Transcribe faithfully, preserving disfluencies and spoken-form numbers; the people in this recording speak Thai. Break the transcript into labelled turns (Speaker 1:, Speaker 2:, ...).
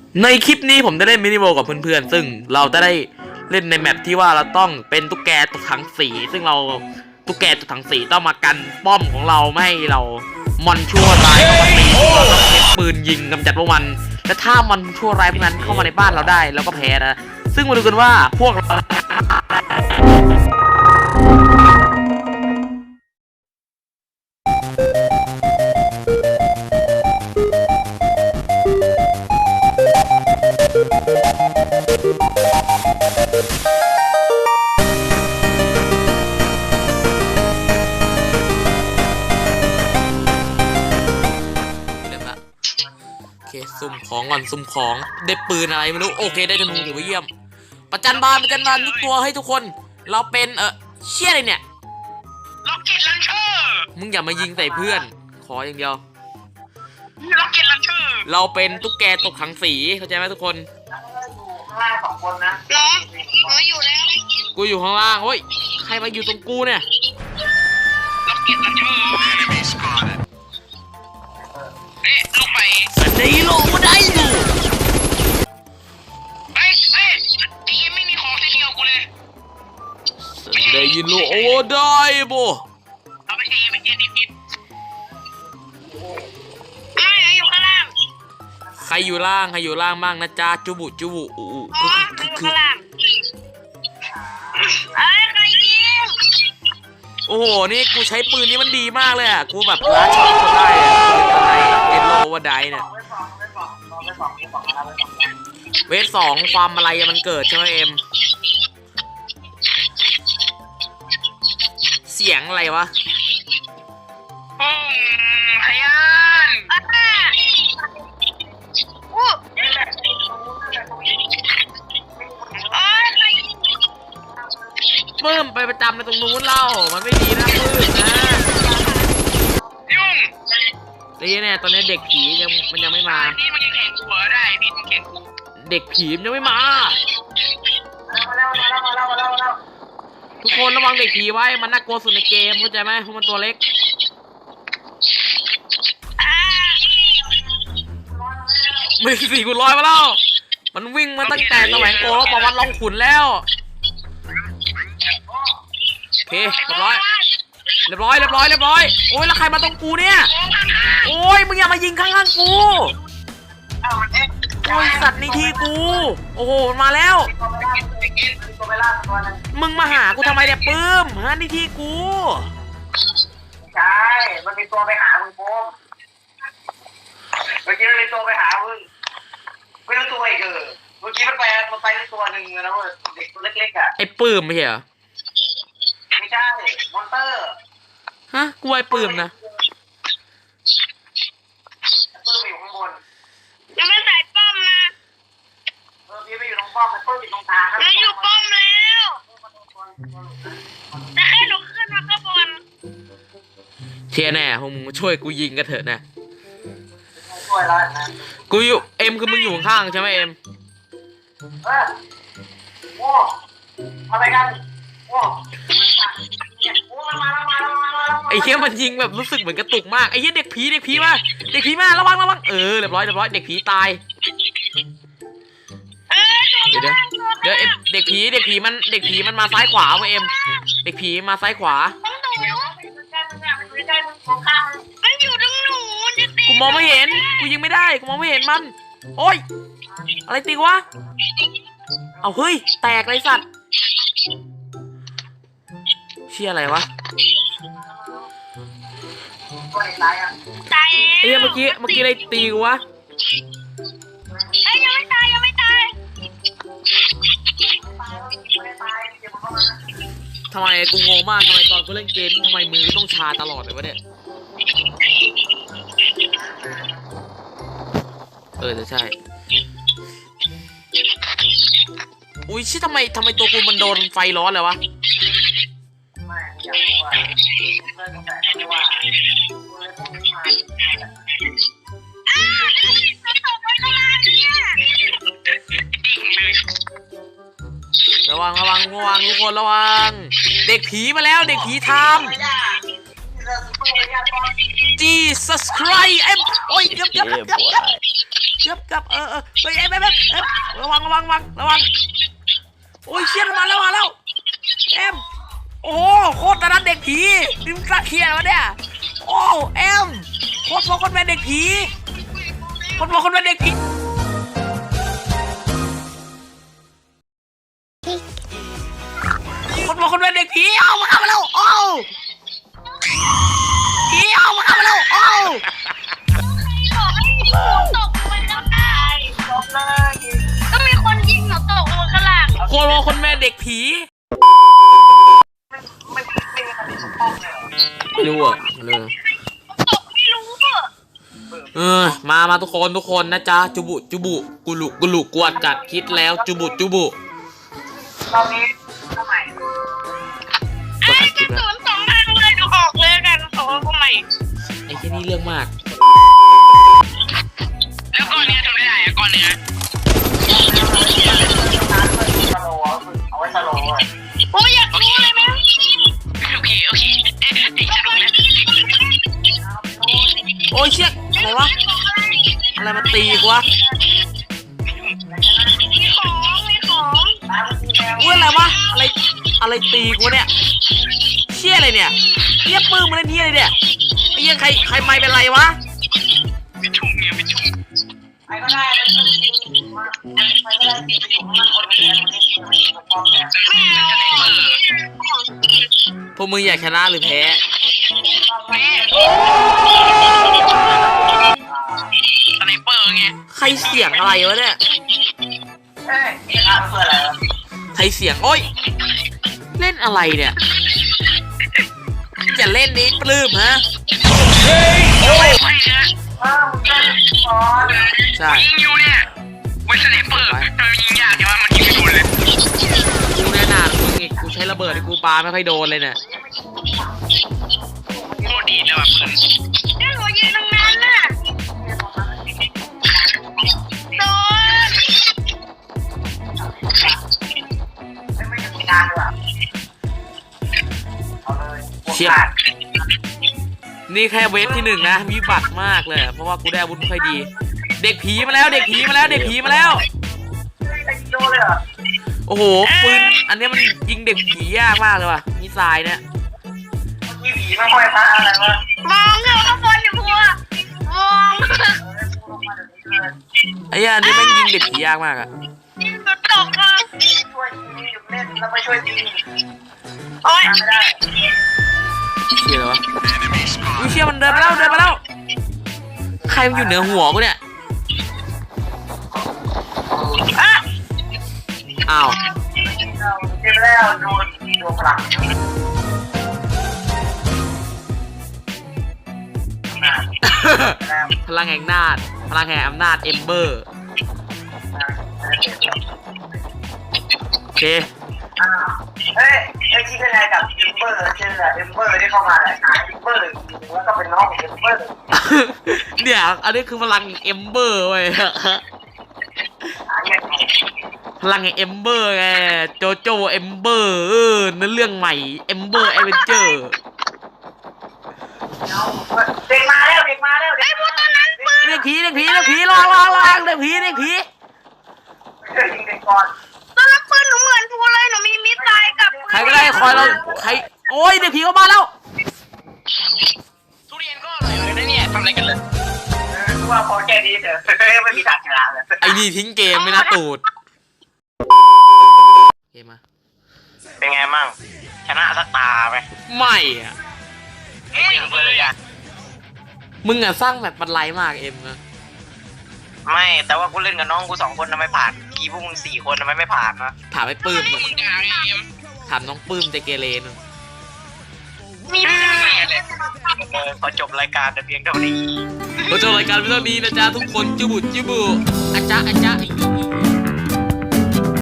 Speaker 1: ในคลิปนี้ผมได้เล่นมินิโมกับเพื่อนๆซึ่งเราจะได้เล่นในแมปที่ว่าเราต้องเป็นตุ๊กแกตัวถังสีซึ่งเราตุ๊กแกตัวถังสีต้องมากันป้อมของเราไม่ให้เรามอนชั่วร้ายเข้ามาตีเราต้องเก็บปืนยิงกำจัดพวกมันและถ้ามอนชั่วร้ายพวกนั้นเข้ามาในบ้านเราได้เราก็แพ้นะซึ่งมาดูกันว่าพวกเราโอเคซุ่มของก่อนซุ่มของได้ปืนอะไรไม่รู้โอเคได้ธนูถือว่าเยี่ยมประจันบานประจันบานทุกตัวให้ทุกคนเราเป็นเออเชี่ยอะไรเนี่ย
Speaker 2: ล็อกเก็ตลันเชอร์
Speaker 1: มึงอย่ามายิงใส่เพื่อนขออย่างเดียว
Speaker 2: ล็อกเก็ตลันเชอร์
Speaker 1: เราเป็นตุ๊กแกตกถังสีเข้าใจไหมทุกคน
Speaker 2: ข้างล่างสองคนนะล้อล้ออยู่แล้ว
Speaker 1: กูอยู่ข้างล่างเฮ้ยใครมาอยู่ตรงกูเนี่ย
Speaker 2: ล็อกเก็ตลันเชอร์เอ๊ะลงไป
Speaker 1: นี่โลมาได้อยู่
Speaker 2: เอ้ยเอ้ยทีมไม่มีของทีเดียวกูเลย
Speaker 1: ได้ยินโลโอ้ได้โบ
Speaker 2: เอาไปทีไปทีนี่ผิดไม่อยู่ข้างล่าง
Speaker 1: ใครอยู่ล่างใครอยู่ล่างบ้างนะจ๊ะจุบุจุบุอู้
Speaker 2: คือคือข้างล่างเอ้ยใครยิง
Speaker 1: โอ้โหนี่กูใช้ปืนนี้มันดีมากเลยอ่ะกูแบบล้านช็อตก็ได้อะอะไรเอ็นโลว่าได้เนี่ยเวทสองความอะไรมันเกิดใช่ไหมเอ็มเสียงอะไรวะ
Speaker 2: อืมพยานอู้
Speaker 1: เพิ่มไปประจำในตรงนู้นเล่ามันไม่ดีนะเพิ่มนะ
Speaker 2: ยุ่ง
Speaker 1: นี่เนี่ยตอนนี้เด็กผียังมันยังไม่มา
Speaker 2: นี่มันยังแข่งกูได้นี่มันแข่งกู
Speaker 1: เด็กผีมันยังไม่มาทุกคนระวังเด็กผีไว้มันน่ากลัวสุดในเกมเข้าใจไหมเพราะมันตัวเล็กมือสี่กูลอยมาแล้วมันวิ่งมาตั้งแต่สมัยโกแล้วบอกว่าลองขุนแล้วโอเคเรียบร้อยเรียบร้อยเรียบร้อยเรียบร้อยโอ้ยแล้วใครมาตรงกูเนี่ยโอ้ยมึงอย่ามายิงข้างๆกูโอ้ยสัตว์ในที่กูโอ้โหมาแล้วมึงมาหากูทำไมเนี่ยปื้มฮะในที่กู
Speaker 2: ใช่มันมีตัวไปหามึงโป้เมื่อกี้มันมีตัวไปหามึงไม่รู้ตัวอีกเออเมื่อกี้มันไปมันไปตัวหนึ่งแล้วเด็กตัวเล็กๆอ่ะ
Speaker 1: ไอ้ปื้มไม่ใช่เหรอ
Speaker 2: ไม่ใช่มอนเตอร์
Speaker 1: ฮะกูไอ้ปื้มนะ
Speaker 2: ปื้มอยู่ข้างบนยังไม่ใส่ป้อมนะเออพี่ไม่อยู่ตรงป้อมมันปื้มอยู่ตรงทางแล้วอยู่ป้อมแล้วแต่แค่หนูขึ้นมาข้างบน
Speaker 1: เทียแน่พวกมึงช่วยกูยิงกันเถอะนะ
Speaker 2: ช่วยแล้วนะ
Speaker 1: กูอยู่เอ็มคือมึงอยู่ข้างใช่ไหมเอ็ม
Speaker 2: เออโว้อะไรกันโว้
Speaker 1: ไอ้เหี้ยมันยิงแบบรู้สึกเหมือนกระตุกมากไอ้เหี้ยเด็กผีเด็กผีมาเด็กผีมาระวังระวังเออเรียบร้อยเรียบร้อยเด็กผีตายเดี๋ยวเดี๋ยวเด็กผีเด็กผีมันเด็กผีมันมาซ้ายขวาเว้ยเอ็มเด็กผีมาซ้ายขวากูมองไม่เห็นกูยิงไม่ได้กูมองไม่เห็นมันโอ้ยอะไรตีวะเอาเฮ้ยแตกเลยสัตว์เชี่ยอะไรวะไอ้เมื่อกี้เมื่อกี้อะไรตีกูวะ
Speaker 2: ไอ้ยังไม่ตายยังไม่ตาย
Speaker 1: ทำไมกูงงมากทำไมตอนกูเล่นเกมทำไมมือต้องชาตลอดเลยวะเนี่ยเออจะใช่อุ้ยชิทำไมทำไมตัวกูมันโดนไฟร้อนเลยวะระวังระวังระวังทุกคนระวังเด็กผีมาแล้วเด็กผีทำ Jesus Christ เอ็มโอ้ยเกือบเกือบเกือบเกือบกือบเกือบเออเออเฮ้ยเอ็มเอ็มเอ็มเอ็มระวังระวังระวังระวังโอ้ยเชี่ยมาแล้วมาแล้วเอ็มโอ้โคตรตะนัดเด็กผีนี่มึงกล้าเคียร์วะเนี่ยโอ้เอ็มโคตรโคตรเป็นเด็กผีโคตรโคตรเป็นเด็กผีคนบอกคนเป็นเด็กผีเอามาเข้ามาแล้วโอ้ผีเอามาเข้ามาแล้วโอ้
Speaker 2: ตกไปแล้วได้ตกเลยก็มีคนยิงหนูตกลงข้างล่าง
Speaker 1: คนบอกคนแม่เด็กผีไม่รู้อ่ะเลย
Speaker 2: ตกไม่รู้อ่ะ
Speaker 1: เออมามาทุกคนทุกคนนะจ๊ะจุบุจุบุกุลุกุลุกวดกัดคิดแล้วจุบุจุบุ
Speaker 2: ตอนนี้ทำไมไอ้กระสุนสองทางเลยดูออกเลยกันสองทำไม
Speaker 1: ไอ้แค่นี้เรื่องมาก
Speaker 2: แล้วก้อนเนี้ยทำไม่ได้อะก้อนเนี้ยเอาไว้สโลว์โอ้ยอยากรู้เลยไหมโอเคโอเคเอ๊ะไอ้สนุกแล้ว
Speaker 1: โอ้ยเชี่ยอะไรวะอะไรมาตีกูวะ
Speaker 2: มีของมีของ
Speaker 1: อุ้ยอะไรวะอะไรอะไรตีกูเนี่ยเชี่ยอะไรเนี่ยเชี่ยปื้มมาเล่นเฮียอะไรเนี่ยไอ้ยังใครใครไม่เป็นไรวะ
Speaker 2: ไม่ชุ่มเนี่ยไม่ชุ่มใครก็ได้ใครก็ได้ตีไปอยู่ข้างล่างคนเดียวไม่เอา
Speaker 1: พวกมึงอยากชนะหรือแพ้
Speaker 2: สไนเปอร์ไง
Speaker 1: ใครเสียงอะไรวะเนี่ย
Speaker 2: เอ้ยชนะเพื่ออะไรวะ
Speaker 1: ใครเสียงโอ้ยเล่นอะไรเนี่ยอย่าเล่นนี้ปลื้มฮะ
Speaker 2: ไม่ไหวนะอ้าวมึงเล่นบอล
Speaker 1: ใช่
Speaker 2: ยิงอยู่เนี่ยเว้ยสไนเปอร์มันยิงยากแต่ว่ามันยิงไม่โดนเลย
Speaker 1: กูแน่นอนมึงอีกกูใช้ระเบิดที่กูปาไม่ค่อยโดนเลยเนี่ย
Speaker 2: โคตรดีเลยว่ะปืนนี่หัวยืนตรงนั้นน่ะโดนไม่ถึงงานเลยอ่ะเอาเลย
Speaker 1: เชี่ยนี่แค่เวฟที่หนึ่งนะวิบัติมากเลยเพราะว่ากูได้อาวุธไม่ค่อยดี เด็กผีมาแล้วเด็กผีมาแล้วเด็กผีมาแล้ว
Speaker 2: โดนเลยเหรอ
Speaker 1: โอ้โหปืนอันนี้มันยิงเด็กผียากมากเลยว่ะมิสไซล์เนี่ย
Speaker 2: มีผีไม่ค่อยพระอะไรวะมองเงาข้างบนอยู่พัวมอง
Speaker 1: ไอ้เหี้ยอันนี้แม่งยิงเด็กผียากมากอะ
Speaker 2: ยิงกระตกอ่ะช่วยยิงหยุดเล่นแล้วไปช่วยยิงโอ๊ยไม่ได้
Speaker 1: เชี่ยอะไรวะอุ้ยเชี่ยมันเดินไปแล้วเดินไปแล้วใครมันอยู่เหนือหัวกูเนี่ย
Speaker 2: อ่ะ
Speaker 1: อ้าว
Speaker 2: เจ็บแล้วโดนโดนพลัง
Speaker 1: พลังแห่งนาจพลังแห่งอำนาจเอมเบอร์โอเค
Speaker 2: เฮ้ยไอ้ที่เป็นอะไรกับเอมเบอร์ชื่อเอมเบอร์ที่เข้ามาแหละเอมเบอร์แล้วก็เป็นน้องของเอมเบอร์
Speaker 1: เนี่ยอันนี้คือพลังเอมเบอร์เว้ยพลังแห่งเอมเบอร์ไงโจโจเอมเบอร์เออนั่นเรื่องใหม่เอมเบอร์แอดเวนเจอร์
Speaker 2: เด็กมาแล้วเด็กมาแล้วไอ้พวกตอนนั้นปืน
Speaker 1: เรียกผีเรียกผีเรียกผีลองลองลองเรียกผีเรียกผี
Speaker 2: ยิงเด็กก่อนตอนนั้นปืนหนูเหมือนพูเลยหนูมีมิสไซล์กับ
Speaker 1: ใครก็ได้คอยเราใครโอ้ยเรียกผีเข้ามาแล้ว
Speaker 2: ทุเรียนก็อร่อยเลยนะเนี่ยทำอะไรกันเลยเออกูว่าพอแค่นี้เถอะไม่มีทางชนะเลย
Speaker 1: ไอ้นี่ทิ้งเกมไม่น่าตูดเกมมา
Speaker 2: เป็นไงมั่งชนะสักตาไหม
Speaker 1: ไม่อะ
Speaker 2: ไม่เลยอ่ะ
Speaker 1: มึงอะสร้างแบบบันไลมากเอ็มนะ
Speaker 2: ไม่แต่ว่ากูเล่นกับน้องกูสองคนทำไมผ่านกีพวกมึงสี่คนทำไมไม่ผ่านนะ
Speaker 1: ถามไอ้ปื้มอะถามน้องปื้มใจเกเรนึง
Speaker 2: มีพอจบรายการแต่เพียงเท่านี้
Speaker 1: เราจบรายการเรื่องนี้นะจ๊ะทุกคนจุบุจุบุอาจ๊ะอาจ๊ะ